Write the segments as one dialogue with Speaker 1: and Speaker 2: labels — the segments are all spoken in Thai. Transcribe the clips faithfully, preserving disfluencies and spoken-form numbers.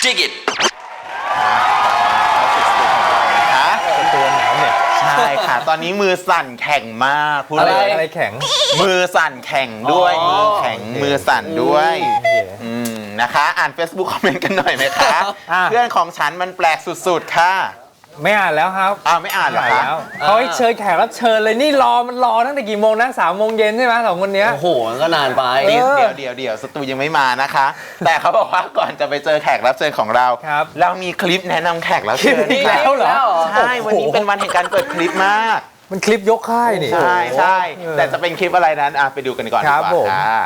Speaker 1: Dig it
Speaker 2: ตัวหนาวเนี่ย
Speaker 3: ใช่ค่ะตอนนี้มือสั่นแข็งมากพูด
Speaker 2: อะไร
Speaker 3: เลย
Speaker 2: อะไรแข็ง
Speaker 3: มือสั่นแข็งด้วยมือแข็งมือสั่นด้วยอืมนะคะ อ่าน Facebook คอมเมนต์กันหน่อยไหมคะ
Speaker 2: อ่ะ
Speaker 3: เพื่อนของฉันมันแปลกสุดๆค่ะ
Speaker 2: ไม่อ่านแล้วครับ
Speaker 3: อ้าวไม่อ่านเหรอ
Speaker 2: อ่าน
Speaker 3: คะ
Speaker 2: แล้วเขาให้เชิญแขกรับเชิญเลยนี่รอมันรอตั้งแต่กี่โมงนะสามโมงเย็นใช่ไหมสองคนเนี้ย
Speaker 4: โอ้โหมันก็นานไป
Speaker 3: เดี๋ยวเดี๋ยวเดี๋ยวเดี๋ยวสตูยังไม่มานะคะ แต่เขาบอกว่าก่อนจะไปเจอแขกรับเชิญของเรา
Speaker 2: ครับ
Speaker 3: เรามีคลิปแนะนำแขกรับเชิญ
Speaker 2: อีก
Speaker 3: ค่ะ
Speaker 2: แล้วเหรอ
Speaker 3: ใช่วันนี้เป็นวันแห่งการเปิดคลิปมาก
Speaker 2: มันคลิปยกค่ายนี่
Speaker 3: ใช่ใช่แต่จะเป็นคลิปอะไรนั้นอ่ะไปดูกันก่อนดี
Speaker 2: ครับ
Speaker 3: กว่า
Speaker 2: ผม
Speaker 3: ค่ะ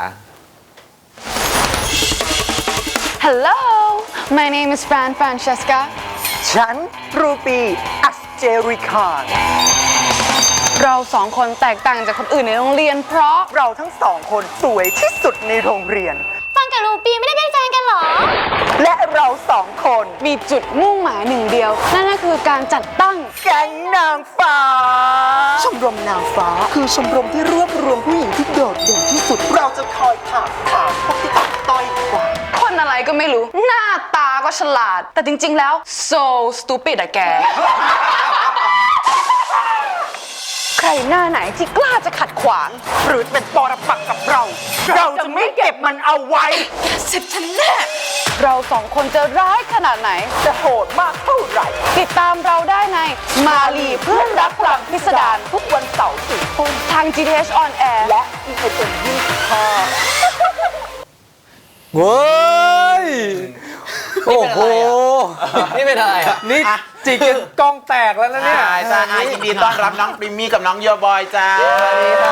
Speaker 5: Hello, my name is Fran Francesca.
Speaker 6: ฉันรูปีอัสเจริคาน
Speaker 5: เราสองคนแตกต่างจากคนอื่นในโรงเรียนเพราะ
Speaker 6: เราทั้งสองคนสวยที่สุดในโรงเรียน
Speaker 5: ฟังกับรูปีไม่ได้เป็นแฟนกันหรอ
Speaker 6: และเราสองคน
Speaker 5: มีจุดมุ่งหมายหนึ่งเดียว นั่นก็คือการจัดตั้ง
Speaker 6: แก๊งนางฟ้า ชมรมนางฟ้าคือชมรมที่รวบรวมผู้หญิงที่โดดเด่นที่สุด เราจะคอยถามถามพวกที่ต่ำต้อยกว่า
Speaker 5: คนอะไรก็ไม่รู้ หน้าตาก็ฉลาด แต่จริงๆแล้ว so stupid อะแก
Speaker 6: ใครหน้าไหนที่กล้าจะขัดขวาง หรือเป็นปรปักษ์กับเรา เราจะไม่เก็บมันเอาไว้
Speaker 5: สิบฉันแน่เราสองคนจะร้ายขนาดไหน
Speaker 6: จะโหดมากเท่าไหร่
Speaker 5: ติดตามเราได้ในมาลีเพื่อนรักพลังพิสดาร
Speaker 6: ทุกวันเสาร์สี่ทุ่ม
Speaker 5: ทาง จี ที เอช on air
Speaker 6: และ อี เอส เอ็ม ยี่สิบห้า
Speaker 2: เว้ยโอ้โห
Speaker 4: นี่เป็นอะไรอ่ะ
Speaker 2: นี่จิกจนกล้องแตกแล้วนะเนี่ย
Speaker 3: ใช่ใช่อ่ะยินดีต้อนรับน้องปริมมี่กับน้องโยบอยจ้าสวัสดีค่ะ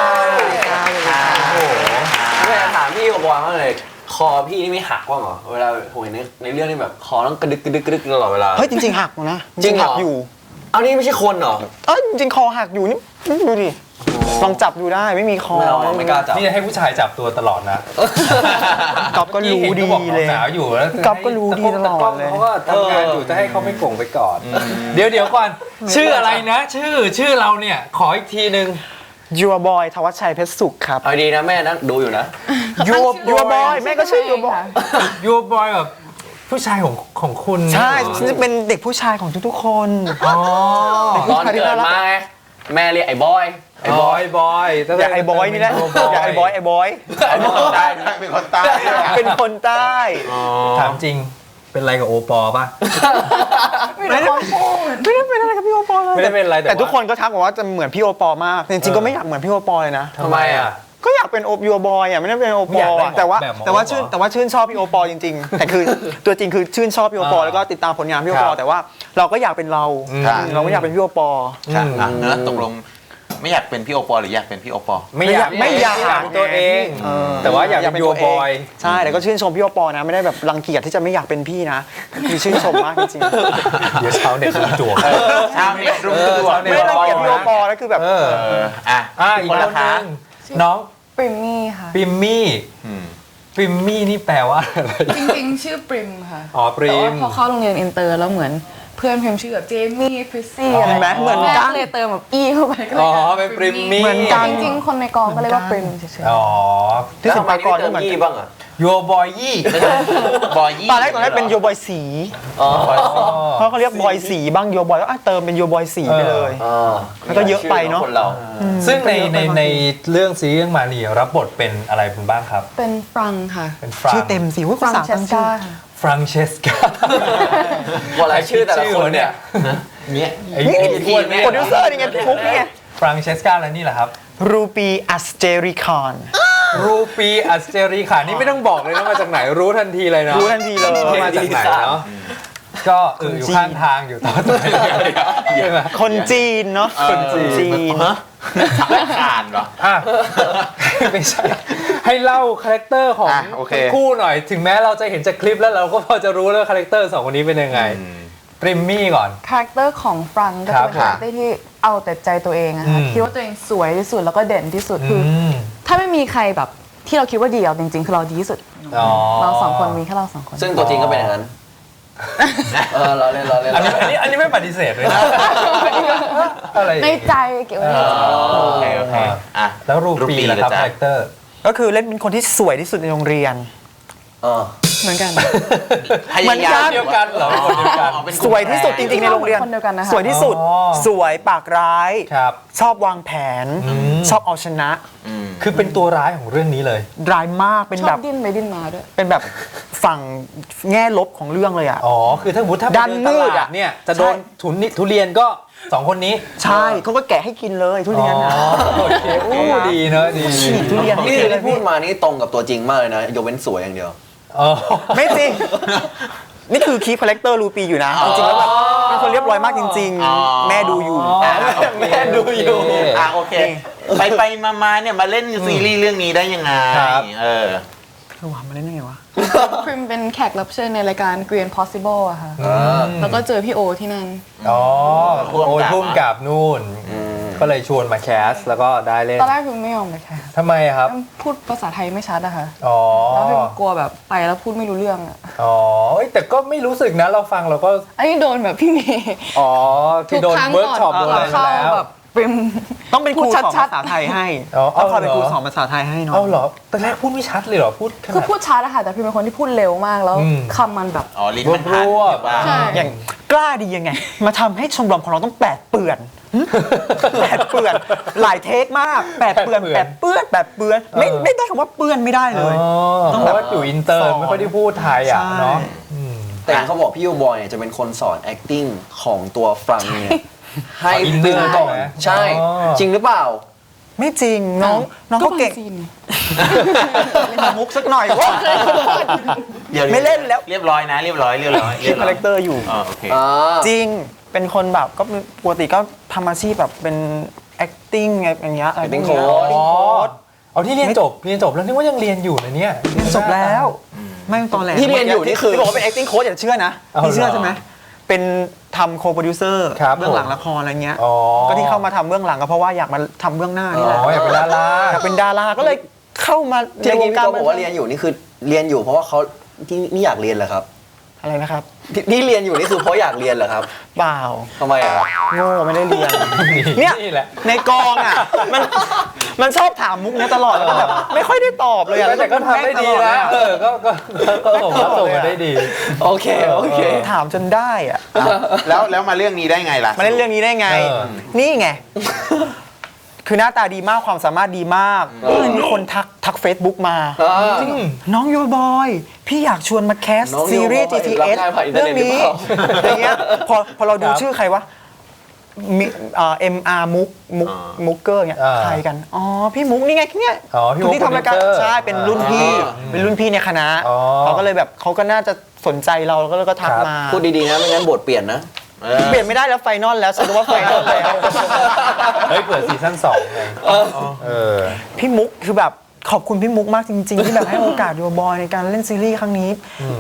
Speaker 2: โอ้โห
Speaker 4: ไม่อยากถามพี่กับบอยมากเลย คอพี่นี่ไม่หักบ้างเหรอ เวลาผมเห็นในในเรื่องนี่แบบคอต้องกระดึกกระดึกกระดึกตลอดเวลา
Speaker 6: เฮ้ยจริงๆหักนะ
Speaker 4: จริงเหรอ
Speaker 6: หักอยู่
Speaker 4: เอานี่ไม่ใช่คนเหรอ
Speaker 6: เอ้ยจริงๆคอหักอยู่นี่นี่ดูดิลองจับดูได้ไม่มีคอ
Speaker 4: ไม่เอาไม่กล้าจับ
Speaker 2: นี่ให้ผู้ชายจับตัวตลอดนะ
Speaker 6: ก๊อฟก็รู้ดี
Speaker 2: มื่อกี้
Speaker 6: เล
Speaker 2: ห็น
Speaker 6: ย
Speaker 2: ขาบอกหนาวอยู่แล้ว
Speaker 6: ก๊อฟก็รู้ดีตลอดเลย
Speaker 2: เขาก็ทำงานอยู่จะให้เขาไม่โกงไปก่อน เดี๋ยวเดี๋ยวก่อน ชื่ออะไรนะ ชื่อชื่อเราเนี่ยขออีกทีนึง
Speaker 6: ยัวบอยทวัชชัยเพชรสุขครับ
Speaker 4: เอาดีนะแม่นะดูอยู่นะ
Speaker 6: ยัวยัวบอยแม่ก็ชื่อยัวบอย
Speaker 2: ยูบอยแบบผู้ชายของของคุณ
Speaker 6: ใช่
Speaker 2: เหรอ
Speaker 6: ฉันจะเป็นเด็กผู้ชายของทุกๆคน
Speaker 2: อ๋อ
Speaker 4: ตอนเกิดมาไงแม่เรียกไอ้บอย
Speaker 2: ไอ้บอยบอย
Speaker 6: อยากไอ้บอยนี่แหละอยากไอ้บอยไอ้บอย
Speaker 3: เป็นคนใต้ด้วยเป็นคนใต้ด้วยอ่ะ
Speaker 6: เป็นคนใต้
Speaker 2: ถามจริงเป็นอะไรกับโอปอป่ะ
Speaker 6: ไม่ได้ไม่ได้เป็นอะไรกับพี่โอปอลเลย
Speaker 2: ไม่ได้เป็นอะไรแต่
Speaker 6: แต่ทุกคนก็ทักบอกว่าจะเหมือนพี่โอปอลมากแต่จริงๆก็ไม่อยากเหมือนพี่โอปอลเลยนะ
Speaker 2: ทำไมอ่ะ
Speaker 6: ก็อยากเป็นโอยัวบอยอ่ะไม่ได้เป็นโอป
Speaker 2: ไม่อยา
Speaker 6: อก ล
Speaker 2: ได้
Speaker 6: อ่ะแต่ว่า
Speaker 2: แบบหมอ
Speaker 6: แต่ว่า
Speaker 2: เหรอ
Speaker 6: ชื่นแต่ว่าชื่นชอบพี่โอปอลจริงๆ แต่คือตัวจริงคือชื่นชอบพี่โอปอล
Speaker 2: อ่า
Speaker 6: แล้วก็ติดตามผลงานพี่โอปอ
Speaker 2: ครั
Speaker 6: ล
Speaker 2: บ
Speaker 6: แต่ว่าเราก็อยากเป็นเรา
Speaker 2: อืม
Speaker 6: เราก็อยากเป็นพี่โอปอล
Speaker 3: ค่ะอ่ะแล้วตกลงไม่อยากเป็นพี่โอปอลหรืออยากเป็นพี่โอปอล
Speaker 2: ไม่อยาก
Speaker 6: ไม่อยาก
Speaker 2: เป็นตัวเอง
Speaker 6: เออ
Speaker 2: แต่ว่าอยากเป็นยูบอย
Speaker 6: ใช่แต่ก็ชื่นชมพี่โอปอลนะไม่ได้แบบรังเกียจที่จะไม่อยากเป็นพี่นะคือชื่นชมมากจริงๆ
Speaker 2: เดี๋ยวเช้าเน็ตรุมจวก
Speaker 3: ชาวเน็ตรุมตัว
Speaker 2: เออชาวเน็ต
Speaker 6: ไม่ได้รังเกียจพี่โอปอลแล้วคือแบบ
Speaker 2: เออ
Speaker 3: เอออ่ะ
Speaker 2: อ่ะอีก
Speaker 3: คน
Speaker 2: ค
Speaker 3: ละ
Speaker 2: น
Speaker 3: คะ
Speaker 2: นึงน้อง
Speaker 7: ปริมมี่ค่ะ
Speaker 2: ปิมมี่
Speaker 3: อืม
Speaker 2: ปิมมี่นี่แปลว่าอะไร
Speaker 7: จริงๆ ชื่อปริมค่ะ
Speaker 2: อ๋อปริ
Speaker 7: แต่ว่าม พอเข้าโรงเรียนอินเตอร์แล้วเหมือนเพื่อนพิมพ์ชื่อแบบเจมี่พริซซี่อะไร
Speaker 6: เห็นไหมเหมือนกัน
Speaker 7: แเลยเติมแบบอีเข้าไปก็เลย
Speaker 2: อ๋อเป็นปริมมี่
Speaker 6: เหมือนกัน
Speaker 7: จริงๆ คนในกองก็เรียกว่าปริมเฉย
Speaker 2: อ๋อ
Speaker 6: ที่สิบปากร
Speaker 4: เติ
Speaker 6: ก็
Speaker 4: ม
Speaker 6: เหมือน
Speaker 4: ยี่
Speaker 6: กัน
Speaker 4: บ้างอ่ะ
Speaker 2: ยูบอยยี่
Speaker 3: บอยยี่
Speaker 6: ตอนแรกตอนแรกเป็นโยบอยสี
Speaker 4: อ๋อ
Speaker 6: เพราะเขาเรียกบอยสีบ้างโยบอยแล้วอ่ะเติมเป็นโยบอยสีไปเลย
Speaker 4: อ๋อ
Speaker 6: แล้วก็เยอะไปเนอะ
Speaker 4: คนเรา
Speaker 2: ซึ่งในในในเรื่องซีรีส์เรื่องมาลีรับบทเป็นอะไรคุณบ้างครับ
Speaker 7: ๆ เป็นฟรังค่ะ
Speaker 2: เป็นฟรัง
Speaker 6: ชื่อเต็มสิว่า
Speaker 7: ฟรั
Speaker 6: ภาง ษา
Speaker 7: เช
Speaker 6: ตั้
Speaker 7: ส
Speaker 6: งชื่
Speaker 7: กา
Speaker 6: อ
Speaker 7: ค่ะ
Speaker 2: ฟรังเชสกา
Speaker 4: ว่าอะไรชื่อแต่ละคนเนี่ยเนี่ย
Speaker 2: ไอ้
Speaker 6: นี่
Speaker 2: ไอ้พวก
Speaker 6: โปรดิวเซอร์นี่ไงพี่ฟุ๊กนี่ไง
Speaker 2: ฟรังเชสกาแล้วนี่แหละครับ
Speaker 6: รูปีอัสเจริคอน
Speaker 2: รูปีอัสเจรีค่ะนี่ไม่ต้องบอกเลยนะมาจากไหนรู้ทันทีเลยเนาะ
Speaker 6: รู้ทันทีเลย
Speaker 2: ว่ามาจากไหนเนาะก็เอออยู่ข้างทางอยู่ต่อไปใช่ไหม
Speaker 6: คนจีนเนาะ
Speaker 2: คนจีน
Speaker 3: ฮะไม่อ่านเหรอ
Speaker 2: อ่ะไม่ใช่ให้เล่าคาแรคเตอร์ของ
Speaker 3: อ่ะโอเค
Speaker 2: ทั้งคู่หน่อยถึงแม้เราจะเห็นจากคลิปแล้วเราก็พอจะรู้แล้วคาแรคเตอร์สองคนนี้เป็นยังไงปริมมี่ก่อน
Speaker 7: คาแรคเตอร์ของฟรังก็
Speaker 2: ครั
Speaker 7: จะ
Speaker 2: บ
Speaker 7: เป็นคาแรคเตอร์ที่เอาแต่ใจตัวเองอะค่ะ
Speaker 2: อืม
Speaker 7: คิดว่าตัวเองสวยที่สุดแล้วก็เด่นที่สุดคือ
Speaker 2: อืม
Speaker 7: ถ้าไม่มีใครแบบที่เราคิดว่าดีเอาจริงๆ คือเราดีที่สุด
Speaker 2: อ๋อ
Speaker 7: เราสองคนมีแค่เราสองคน
Speaker 4: ซึ่งตัวจริงก็เป็นอย่างนั้น เออเราเล่นเราเล่น
Speaker 2: อันนี้อันนี้อันนี้ไม่ปฏิเสธเลยนะอะไร
Speaker 7: ในใจเก็บไว้ในใจ
Speaker 3: โอเคโอเคอ่ะ
Speaker 2: แล้วรูปีล่ะครับ
Speaker 3: จ๊ะ
Speaker 2: คาแรคเตอร์
Speaker 6: ก็คือเล่นเป็นคนที่สวยที่สุดในโรงเรียน
Speaker 4: เออ
Speaker 7: เหมือนกัน
Speaker 3: พยายาม
Speaker 2: เดียวกันเหรอคนเดียวกัน
Speaker 3: อ๋อเป็นก
Speaker 6: ส
Speaker 3: ลุ่ม
Speaker 6: วยที่สุดจริงๆในโรงเรียน
Speaker 7: คนเดียวกันนะคะ
Speaker 6: สวยที่สุด
Speaker 2: อ๋อ
Speaker 6: สวยปากร้าย
Speaker 2: ครับ
Speaker 6: ชอบวางแผน ชอบเอาชนะ
Speaker 3: อืม
Speaker 2: คือเป็นตัวร้ายของเรื่องนี้เลย
Speaker 6: ร้ายมากเป็น
Speaker 7: ชอ
Speaker 6: แบบ บ
Speaker 7: ดิ้นไปดิ้นมาด้วย
Speaker 6: เป็นแบบฝั่งแง่ลบของเรื่องเลยอ่ะ
Speaker 2: อ๋อ คือถ้าสมมติถ้าไป
Speaker 6: ด้าน
Speaker 2: เดิน
Speaker 6: มื
Speaker 2: ต
Speaker 6: ด
Speaker 2: ลา
Speaker 6: อะ
Speaker 2: ดเนี่ยจะโดน
Speaker 6: ใช่
Speaker 2: ทุนนิทุเรียนก็สองคนนี้
Speaker 6: ใช่เขาก็แกะให้กินเลยทุเรียนอ่ะ
Speaker 2: อ๋อโอเคโอ้ดีเนอะดี
Speaker 6: ฉีกทุเรียนให้
Speaker 4: นี่
Speaker 6: กินเลย
Speaker 4: ที่พูดมานี่ตรงกับตัวจริงมากเลยนะยกเว้นสวยอย่างเดียว
Speaker 2: เออ
Speaker 6: ไม่จริง นี่คือคีฟคาแรคเตอร์รูปีอยู่นะ จริงๆแล้วแบบเป็นคนเรียบร้อยมากจริง
Speaker 3: อ๋อ
Speaker 6: ๆ แม่ดูอยู่
Speaker 3: อ่ะโอเค
Speaker 4: แม่ดูอยู่
Speaker 3: อ่ะโอเค ไปไปมามาเนี่ยมาเล่นซีรีส์เรื่องนี้ได้ยังไง
Speaker 2: ครับ
Speaker 3: เออ
Speaker 6: เออวะมาเล่นยังไงวะ
Speaker 7: พริมเป็นแขกรับเชิญในรายการ Green Possible อะค่ะ แล้วก็เจอพี่โอที่นั่น
Speaker 2: อ๋อ
Speaker 3: พ่วงกับ
Speaker 2: โอ้ยพุ่มกับนู่น ก็เลยชวนมาแคสแล้วก็ได้เล่น
Speaker 7: ตอนแรกพริมไม่ยอมเลยค่ะ
Speaker 2: ทำไมอะครับ
Speaker 7: พูดภาษาไทยไม่ชัดอะค่ะ
Speaker 2: อ๋อ
Speaker 7: แล้วพริมกลัวแบบไปแล้วพูดไม่รู้เรื่องอะ
Speaker 2: อ๋อเอ้ยแต่ก็ไม่รู้สึกนะ เราฟังเราก็
Speaker 7: อันนี้โดนแบบพี่เมย์
Speaker 2: อ๋อที่โดนเวิร์กช็อปโดนอะไรมา
Speaker 7: เข้า
Speaker 2: แล้ว
Speaker 7: แบบพริม
Speaker 6: ต้องเป็นครู
Speaker 7: พูด
Speaker 6: สอน
Speaker 7: ชัด
Speaker 6: ภาษาไทยให้
Speaker 2: อ๋อ
Speaker 6: ต้องคอยเป็น
Speaker 2: เอาเหรอ
Speaker 6: ครูสอนภาษาไทยให้เนาะ
Speaker 2: เอาเหรอตอนแรกพูดไม่ชัดเลยเหรอ พูดข
Speaker 7: ๆคือ
Speaker 2: นาด
Speaker 7: พูดชัดอะค่ะแต่พริมเป็นคนที่พูดเร็วมากแล้ว
Speaker 2: อืม
Speaker 7: คำมันแบบ
Speaker 3: อ๋อลิ้นมันพัน
Speaker 2: รวบๆ
Speaker 3: ว่า
Speaker 7: ใช่
Speaker 6: อย่างกล้าดียังไง มาทำให้ชมรมของเราต้องแปดเปื่อนหึแปดเปื่อน หลายเทคมากแปดเปื่อนแปดเปื้อนแปดเปื้อนไม่
Speaker 2: เออ
Speaker 6: ไม่ได้คำว่าเปื้อนไม่ได้เลย
Speaker 2: อ๋อ
Speaker 6: ต้อง
Speaker 2: เพ
Speaker 6: แบบ
Speaker 2: ราะว่าอยู่อินเตอร์ไม่ค่อยได้พูดไทยอ่ะ
Speaker 6: ใช่
Speaker 2: เนาะ
Speaker 4: แต่เขาบอกพี่ยูบอยเนี่ยจะเป็นคนสอน acting ของตัวฟรังเนี่ยให้
Speaker 2: อินเนอ
Speaker 4: ตึง
Speaker 2: ร์
Speaker 4: ก่อน
Speaker 2: ใช่ไหม
Speaker 4: ใช่
Speaker 2: อ๋อ
Speaker 4: จริงหรือเปล่า
Speaker 6: ไม่จริงน้องน้องเขาเก่ง
Speaker 7: บซีนไง
Speaker 6: เล่นมุกสักหน่อยวะ
Speaker 3: เดี๋ยว
Speaker 6: ไม่เล่นแล้ว
Speaker 3: เรียบร้อยนะ เรียบร้อยเรียบร้อย
Speaker 6: คิดคาแรคเตอร์อยู่
Speaker 3: อ๋อโอเค
Speaker 4: อ่า
Speaker 6: จริงเป็นคนแบบก็ปกติก็ทำอาชีพแบบเป็น acting ไงอย่างเงี้ย
Speaker 4: acting
Speaker 6: พวกเนี้ย
Speaker 4: coach
Speaker 2: อ๋อเอาที่เรียนจบเรียนจบแล้วนึกว่ายังเรียนอยู่นะเนี่ย
Speaker 6: เรียนจบแล้วไม่ตอนแรก
Speaker 4: ที่เรียนอยู่นี่คือ
Speaker 6: ที่บอกว่าเป็น acting coach อย่าเชื่อนะ
Speaker 2: เอา
Speaker 6: พี่เชื่อ
Speaker 2: เหรอ
Speaker 6: ใช่ไหมเป็นทำ co-producer
Speaker 2: ครับ
Speaker 6: เบื้องหลังละครอะไรเงี้ย
Speaker 2: อ๋อ
Speaker 6: ก็ที่เข้ามาทำเบื้องหลังก็เพราะว่าอยากมาทำเบื้องหน้านี่แหละ
Speaker 2: อ๋ออยากเป็นดารา
Speaker 6: อยากเป็นดาราก็เลยเข้ามา
Speaker 4: ที่
Speaker 6: ในว
Speaker 4: เมื่
Speaker 6: ง
Speaker 4: อกี้
Speaker 6: การ
Speaker 4: พี่ก็บอกว่าเรียนอยู่นี่คือเรียนอยู่เพราะว่าเขาที่นี่อยากเรียนเหรอครับ
Speaker 6: อะไรนะครับ
Speaker 4: ที่ที่เรียนอยู่นี่คือเพราะอยากเรียนเหรอครับ
Speaker 6: เปล่า
Speaker 4: ทำไมอะครับ
Speaker 6: โง่ไม่ได้เรียน เนี่ย
Speaker 2: นี่แหละ
Speaker 6: ในกองอ่ะมันมันชอบถามมุกเนี้ยตลอดแล้วก็แบบไม่ค่อยได้ตอบเลยอะ
Speaker 2: แต่ก็ทำได้ดีนะเออก็ก็ก็ผมว่าส่งมาได้ดี
Speaker 4: โอเคโอเค
Speaker 6: ถามจนได้อ่ะ
Speaker 3: แล้วแล้วมาเรื่องนี้ได้ไงล่ะ
Speaker 6: มาเล่นเรื่องนี้ได้ไง
Speaker 2: เออ
Speaker 6: นี่ไง คือหน้าตาดีมากความสามารถดีมากก็เลยมีคนทักทัก Facebook มา
Speaker 4: อ่า
Speaker 2: อืม
Speaker 6: น้องโยบอย พี่อยากชวนมาแคส
Speaker 4: น้องโยบอย
Speaker 6: ซีรีส์ จี ที เอส
Speaker 4: รับงานผ่านอินเทอ
Speaker 6: เรื่
Speaker 4: ร์
Speaker 6: อ
Speaker 4: เน็
Speaker 6: ง
Speaker 4: ตหรือ
Speaker 6: นี้
Speaker 4: เปล่า
Speaker 6: อย่างเงี้ยพอพอเราดู
Speaker 2: ครับ
Speaker 6: ชื่อใครวะมิเอ่อ เอ็ม อาร์ มุกมุกมุกเกอร์เนี่ย
Speaker 2: อ่า
Speaker 6: ใครกัน อ๋อ พี่มุกนี่ไงเนี่ย
Speaker 2: อ๋อพี่มุก
Speaker 6: ที่ทำรายการ
Speaker 2: โปรดิวเซอร์
Speaker 6: ใช่เป็นรุ่นพี่
Speaker 2: อ่า
Speaker 6: เป็นรุ่นพี่ในคณะ
Speaker 2: อ๋อ
Speaker 6: เขาก็เลยแบบเขาก็น่าจะสนใจเราแล้วก็เลยก็ทัก
Speaker 2: ครับ
Speaker 6: มา
Speaker 4: พูดดีๆนะไม่งั้นบทเปลี่ยนนะ
Speaker 3: เออ
Speaker 6: เปลี่ยนไม่ได้แล้วไฟนอลแล้วฉันรู้ว่าไฟนอลแล้ว
Speaker 2: เฮ้ยเปิดซีซั่นสองไงเออ
Speaker 6: พี่มุกคือแบบขอบคุณพี่มุกมากจริง ๆ ที่แบบให้โอกาสโยบอยในการเล่นซีรีส์ครั้งนี้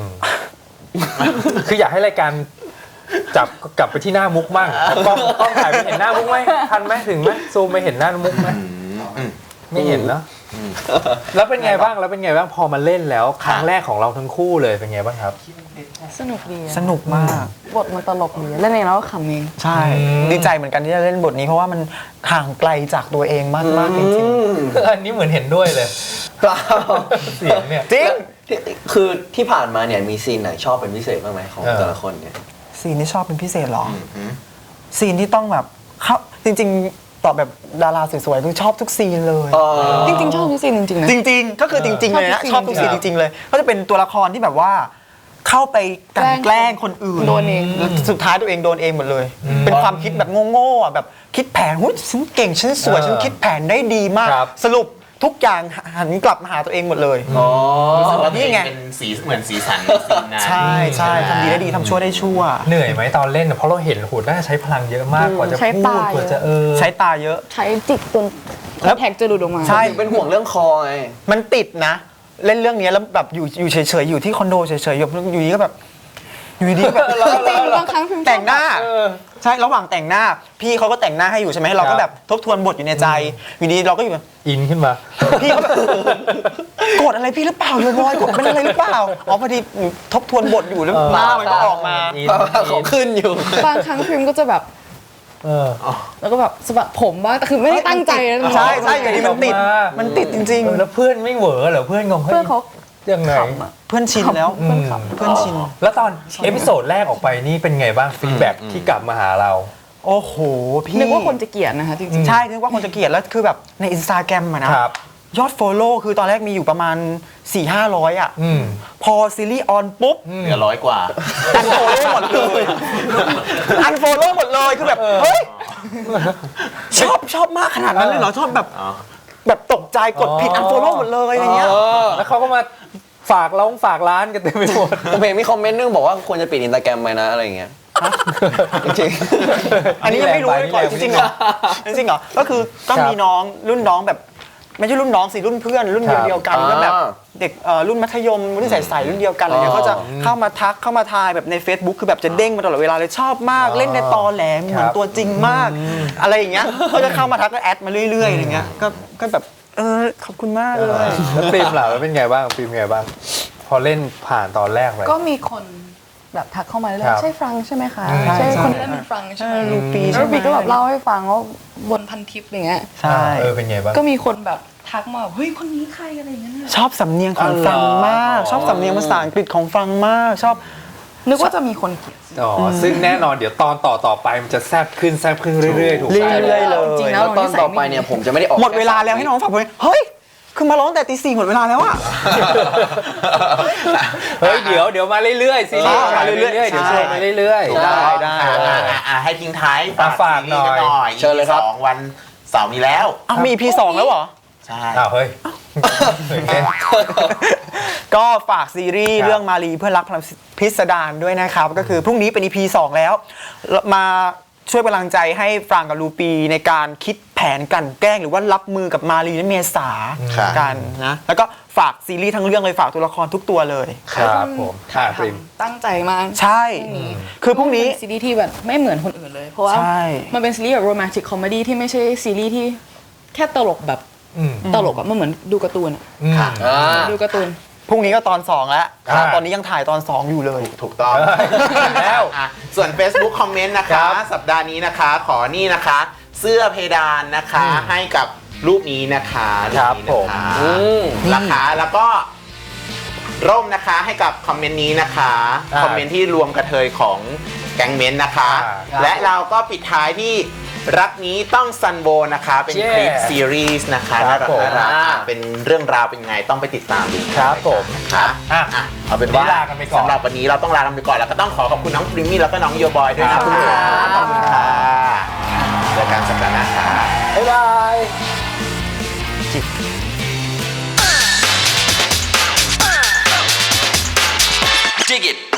Speaker 2: คืออยากให้รายการจับกลับไปที่หน้ามุกบ้างเอากล้องกล้องถ่ายไปเห็นหน้ามุกไหมทันไหมถึงไหมซูมไปเห็นหน้ามุกไหมไม่เห็นเนอะแล้วเป็นไงบ้างแล้วเป็นไงบ้างพอมาเล่นแล้ว ครั้งแรกของเราทั้งคู่เลยเป็นไงบ้างครับ
Speaker 7: สนุกดีอะ
Speaker 6: สนุกมาก
Speaker 7: บทมันตลกดีเล่นเองแล้วก็ขำเอง
Speaker 6: ใช่
Speaker 2: อืม
Speaker 6: ดีใจเหมือนกันที่จะเล่นบทนี้เพราะว่ามันห่างไกลจากตัวเองมากมากๆจริง
Speaker 2: อันนี้เหมือนเห็นด้วยเลย
Speaker 4: เปล่า
Speaker 2: เสียงเนี่ย
Speaker 6: ๆจริง
Speaker 4: ที่คือที่ผ่านมาเนี่ยมีซีนไหนชอบเป็นพิเศษบ้างไหมของ
Speaker 2: เออ
Speaker 4: แต่ละคนเนี่ย
Speaker 6: ซีนที่ชอบเป็นพิเศษเหรออซีนที่ต้องแบบเข้าจริง ๆ ตอบแบบดาราสวยๆคือชอบทุกซีนเลย
Speaker 7: จริงๆ ชอบทุกซีนจริงๆนะ
Speaker 6: จริง ๆ ก็คือจริง ๆ เลยนะ
Speaker 7: ช
Speaker 6: ช
Speaker 7: อ
Speaker 6: อ
Speaker 7: บบ ทุ
Speaker 6: ทุ
Speaker 7: ก
Speaker 6: ก
Speaker 7: ซี
Speaker 6: ซี
Speaker 7: น
Speaker 6: นจริง ๆ เลย ก็จะเป็นตัวละครที่แบบว่า เข้าไปกลันแกล้งคนอื่น
Speaker 7: โดนเอง
Speaker 6: แล้วสุดท้ายตัวเองโดนเองหมดเลย เป็นความคิดแบบโง่ๆอ่ะแบบคิดแผนหุ้ยฉันเก่งฉันสวย
Speaker 2: เออ
Speaker 6: ฉันคิดแผนได้ดีมาก
Speaker 2: ครับ
Speaker 6: สรุปทุกอย่างหันกลับมาหาตัวเองหมดเลย
Speaker 4: อ๋อ
Speaker 3: รู้สึกว่า
Speaker 6: นี่
Speaker 3: นี่
Speaker 6: ไง
Speaker 3: ไงเป็นสีเหมือนสีสันในซีนนั้น
Speaker 6: ใช่ใช่
Speaker 3: ไหม
Speaker 6: ทำดีได้ดีทำชั่วได้ชั่ว
Speaker 2: เหนื่อยไหมตอนเล่นอะเพราะเราเห็นโหน่าจะใช้พลังเยอะมากกว่าจะ
Speaker 7: ใช้
Speaker 2: พู
Speaker 7: ตา
Speaker 2: ดกว่า
Speaker 7: เยอะ
Speaker 2: จะเออ
Speaker 6: ใช้ตาเยอะ
Speaker 7: ใช้จิกจน
Speaker 6: แล้ว
Speaker 7: แท็กจะหลุดออกมา
Speaker 6: ใช่
Speaker 4: เป็นห่วงเรื่องคอไง
Speaker 6: มันติดนะ เล่นเรื่องนี้แล้วแบบอยู่อยู่เฉยๆอยู่ที่คอนโดเฉยๆอยู่อยู่ดีก็แบบอยู่ดีก็แบบ
Speaker 7: จริงบางครั้งพิมพ์ชอบ
Speaker 6: แต่งหน้า
Speaker 2: เออ
Speaker 6: ใช่ระหว่างแต่งหน้า พี่เขาก็แต่งหน้าให้อยู่ใช่ไหมเรา
Speaker 2: ครั
Speaker 6: ก็
Speaker 2: บ
Speaker 6: แบบทบทวนบทอยู่ในใจอยู่ดีเราก็อยู่แบบ
Speaker 2: อินขึ้นมา
Speaker 6: พี่เขาแบบกดอะไรพี่หรือเปล่าโยบอยกดเป็นอะไรหรือเปล่าอ๋อพอดีหนูทบทวนบทอยู่แล้ว
Speaker 2: เออ
Speaker 6: หน้ามันก็ออกมา
Speaker 2: อิน
Speaker 4: เขาขึ้นอยู่
Speaker 7: บางครั้งพิมพ์ก็จะแบบ
Speaker 2: เออ
Speaker 7: แล้วก็แบบสะบัดผมบ้างแต่คือไม่ได้ตั้งใจนะ
Speaker 6: ใช่ใช่อยู่ดีมันติด
Speaker 2: ออกมา
Speaker 6: มันติดจริง
Speaker 2: เออแล้วเพื่อนไม่เหวอเหรอเพื่อนงงฮ้ย
Speaker 7: เพื่อนเขา
Speaker 2: ยังไง
Speaker 7: ขำอะ
Speaker 6: เพื่อนชินแล้ว
Speaker 7: เพื่อนขำ
Speaker 6: เพื่อนชิน
Speaker 2: แล้วตอนเอพิโซดแรกออกไปนี่เป็นไงบ้างฟีดแบ็ที่กลับมาหาเรา
Speaker 6: โอ้โหพี่
Speaker 7: นึกว่าคนจะเกลียดนะคะจริงๆ
Speaker 6: ใช่นึกว่าคนจะเกลียดแล้วคือแบบในอินสตาแกรมอะนะครับ ยอด Follow คือตอนแรกมีอยู่ประมาณ สี่ห้าร้อย อ่ะ
Speaker 2: อืม
Speaker 6: พอซีรีส์ออนปุ๊บ
Speaker 3: เหลือร้อยกว่า
Speaker 6: อันโฟโล่หมดเลยอันโฟโล่หมดเลยคือแบบเฮ้ยชอบชอบมากขนาดนั้นเลยเหรอชอบแบบ แบบตกใจกดผิดอันโฟโล่หมดเลยอะไรเงี้ย
Speaker 2: แล้วเขาก็มาฝากร้องฝากร้านกันเต็มไปหมด
Speaker 4: ผมเห็นมีคอมเมนต์นึงบอกว่าควรจะปิดอินสตาแกรมไปนะอะไรอย่างเงี้ยจริง
Speaker 6: อันนี้ยังไม่รู้เลยก่อนจริงๆเหรอจริงๆเหรอก็คือก็มีน้องรุ่นน้องแบบไม่ใช่รุ่นน้องสิรุ่นเพื่อนรุ่นเดียวเดียวกันก็แบบเด็กเอ่อรุ่นมัธยมรุ่นใสๆรุ่นเดียวกันอะไรเงี้ยเขาจะเข้ามาทักเข้ามาทายแบบใน Facebook คือแบบจะเด้งมาตลอดเวลาเลยชอบมากเล่นในตอแหลเหมือนตัวจริงมาก อะไรอย่างเงี้ยเขาจะเข้ามาทักก็แอดมาเรื่อยๆอะไรเงี้ยก็ก็แบบเออขอบคุณมากเลย
Speaker 2: แล้วฟิล์มล่ะแล้วเป็นไงบ้างฟิล์มเป็นไงบ้าง พอเล่นผ่านตอนแรกไป
Speaker 7: ก็มีคนแบบทักเข้ามาเรื่อ
Speaker 2: ครั
Speaker 7: ย
Speaker 2: บ
Speaker 7: ๆใช่ฟรังก์ใช่ไหมคะ
Speaker 2: ใช่
Speaker 7: ใช่
Speaker 6: ใช่
Speaker 7: คนที่เล่นเป็นฟรังก์ใช่ไหม
Speaker 6: ใช่ลูปี
Speaker 7: แล้ว
Speaker 6: ใช่ไหม
Speaker 7: ปีก็แบบเล่าให้ฟังว่าบนพันทิปอย่างเงี้ย
Speaker 6: ใช่
Speaker 2: เออเป็นไงบ้าง
Speaker 7: ก็มีคนแบบทักมาแบบเฮ้ยคนนี้ใครอะไรอย่างเงี้ยน่ะ
Speaker 6: ชอบสำเนียงของฟังมาก ชอบสำเนียงภาษาอังกฤษของฟังมากชอบ
Speaker 7: นึกว่าจะมีคนเกลียด
Speaker 2: อ๋ออซึ่งแน่นอนเดี๋ยวตอนต่อต่อไปมันจะแซบขึ้นแซบขึ้นเรื่อยๆ ถูกไหม
Speaker 6: เรื่อยๆเลย
Speaker 7: จริงๆ
Speaker 4: ๆ
Speaker 7: แล้
Speaker 4: แล้ว วตอนต่อไปเนี่ยผมจะไม่ได้ออก
Speaker 6: หมดเวลาแล้วให้น้องฝากเพลงเฮ้ย คือมาร้องแต่ตีสี่หมดเวลาแล้วอะ
Speaker 2: เฮ้ยเดี๋ยวเดี๋ยวมาเรื่อยๆซีรีส์
Speaker 6: เออ
Speaker 2: มาเรื่อยๆ
Speaker 6: ใช่
Speaker 2: เดี๋ยวชวนมาเรื่อยๆ
Speaker 6: ได้ได้
Speaker 3: อ่ะอ่ะอ่ะอ่ะให้ทิ้งท้าย
Speaker 2: อ่ะฝากหน่อย
Speaker 3: ซีรีส์กัหน่อย
Speaker 4: เชิญเลยครับ
Speaker 3: สองวันเสาร์นี้แล้ว
Speaker 6: อ้าวมี อี พี สองแล้วเหรอ
Speaker 3: ใช่
Speaker 2: อ้าวเฮ้ยตื่นเต้น
Speaker 6: ก็ฝากซีรีส์
Speaker 2: ครับ
Speaker 6: เรื่องมารีเพื่อนรักพลังพิสดารด้วยนะครับ ก็คือพรุ่งนี้เป็น อี พี สองแล้ว มาช่วยกำลังใจให้ฟรางกับลูปีในการคิดแผนกลันแกล้งหรือว่ารับมือกับมารีและเมษา
Speaker 3: ครับ
Speaker 6: กันนะ แล้วก็ฝากซีรีส์ทั้งเรื่องเลยฝากตัวละครทุกตัวเลย
Speaker 2: ครับผม
Speaker 7: ถ่า
Speaker 2: อ่าย ฟิล์ม
Speaker 7: ทำตั้งใจมาก
Speaker 6: ใช่ คือพรุ่งนี้
Speaker 7: เป็นซีรีส์ที่แบบไม่เหมือนคนอื่นเลย เพราะว่า
Speaker 6: ใช่
Speaker 7: มันเป็นซีรีส์แบบโรแมนติกคอมเมดี้ที่ไม่ใช่ซีรีส์ที่แค่ตลกแบบ
Speaker 2: อืม
Speaker 7: ตลกอะมันเหมือนดูการ์ตูนอะ
Speaker 2: อืม
Speaker 4: อ่า
Speaker 7: ดูการ์ตูน
Speaker 6: พรุ่งนี้ก็ตอนสองแล้ว
Speaker 2: อ่า
Speaker 6: ตอนนี้ยังถ่ายตอนสองอยู่เลย
Speaker 3: ถูกต้อง
Speaker 2: เอ้ยแล้ว
Speaker 3: อ่ะส่วน Facebook คอมเมนต์นะ
Speaker 2: ครั
Speaker 3: คะ
Speaker 2: บ
Speaker 3: สัปดาห์นี้นะคะ ขอนี่นะคะ เสื้อเพดานนะคะ
Speaker 2: อืม
Speaker 3: ให้กับรูปนี้นะคะ
Speaker 2: ครับ
Speaker 3: รูปนี้นะคะ
Speaker 2: ผม
Speaker 4: อืม
Speaker 3: ราคาแล้วก็ร่มนะคะให้กับคอมเมนต์นี้นะคะ
Speaker 2: อ่า
Speaker 3: คอมเมนต์ที่รวมกระเทยของแก๊งเมนต์นะคะ
Speaker 2: อ่าครับ
Speaker 3: และเราก็ปิดท้ายที่รักนี้ต้องซันโบนะคะ เป็น
Speaker 2: เย้
Speaker 3: คลิปซีรีส์นะคะ
Speaker 2: ครั
Speaker 3: น่า
Speaker 2: บ
Speaker 3: รัก
Speaker 2: ผม
Speaker 3: น่ารักอ่ะเป็นเรื่องราวเป็นไงต้องไปติดตามดู
Speaker 2: ครับผม
Speaker 3: ค่ะ
Speaker 2: อ่ะ
Speaker 3: อ่ะเอาเป็นว่า
Speaker 2: วันนี้ลากันไปก่อน
Speaker 3: สำหรับวันนี้เราต้องลากันไปก่อนแล้วก็ต้องขอขอบคุณน้องพริมมี่แล้วก็น้องโยบอยด้วยนะ
Speaker 2: ครั
Speaker 3: คะ
Speaker 2: บ
Speaker 3: ขอบคุณค่ะเจอกันสัปดาห์หน้าค่ะ
Speaker 2: บ๊ายบาย
Speaker 1: Dig it.